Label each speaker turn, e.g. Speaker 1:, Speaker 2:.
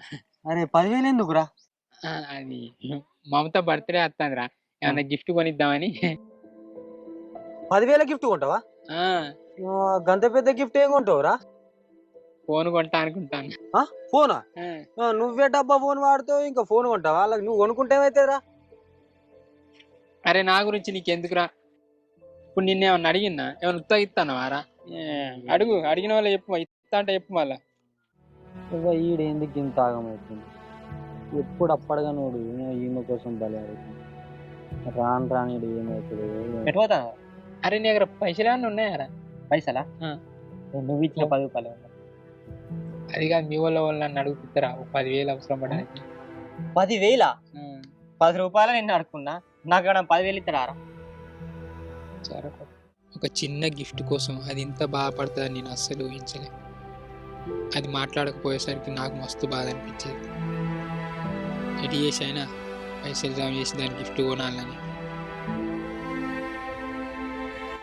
Speaker 1: అరే 10,000 ఎందుకురా?
Speaker 2: అది మమత బర్త్‌డే వత్తాందిరా.
Speaker 1: ఆ!
Speaker 2: ఏమన్నా గిఫ్ట్ కొనిద్దామని.
Speaker 1: 10,000 గిఫ్ట్ కొంటావా?
Speaker 2: ఆ!
Speaker 1: గంత పెద్ద గిఫ్ట్ ఏం కొంటావురా?
Speaker 2: ఫోన్ కొంటా అనుకుంటాను.
Speaker 1: ఆ! ఫోనా?
Speaker 2: ఆ!
Speaker 1: నువ్వే డబ్బా ఫోన్ వాడుతావు ఇంకా ఫోన్ కొంటావా? ఆళ్ళకి నువ్వు కొనుక్కుంటే ఏమైతదిరా?
Speaker 2: అరే నా గురించి నీకెందుకురా? ఇప్పుడు నిన్నేమన్నా అడిగిన్నా? ఏమన్నా ఉత్తగా ఇత్తన్నవారా? అడుగు. అడిగిన వాళ్ళకి చెప్పు. ఇత్తా అంటే చెప్పు మళ్ళా.
Speaker 1: ఈడెందుకు ఇంత ఆగమైతుంది? ఎప్పుడు అప్పడగానోడు ఈమె కోసం బలి ఆడుతుంది. రాను రాను ఈడు ఏమైతదో ఏమో.
Speaker 3: ఎటు పోతావు?
Speaker 2: అరే నీ దగ్గర పైసలేమన్నా ఉన్నాయారా?
Speaker 3: పైసలా?
Speaker 2: ఆ!
Speaker 3: నువ్వు ఇచ్చిన 10 రూపాయలు.
Speaker 2: అది కాదు మీ వోళ్ళు నన్ను అడుగుతారా? ఓ 10,000 అవసరం పడడానికి.
Speaker 3: 10,000? 10 రూపాయలు నిన్ను అడుక్కున్నా. నాకు 10,000 ఇస్తాడారా?
Speaker 2: సరే. ఒక చిన్న గిఫ్ట్ కోసం అది ఇంత బాధపడుతుందని నేను అస్సలు ఊహించలే. అది మాట్లాడకపోయేసరికి నాకు మస్తు బాధ అనిపించేది. ఎటు చేసి అయినా పైసలు జమ చేసి దానికి గిఫ్ట్ కొనాలని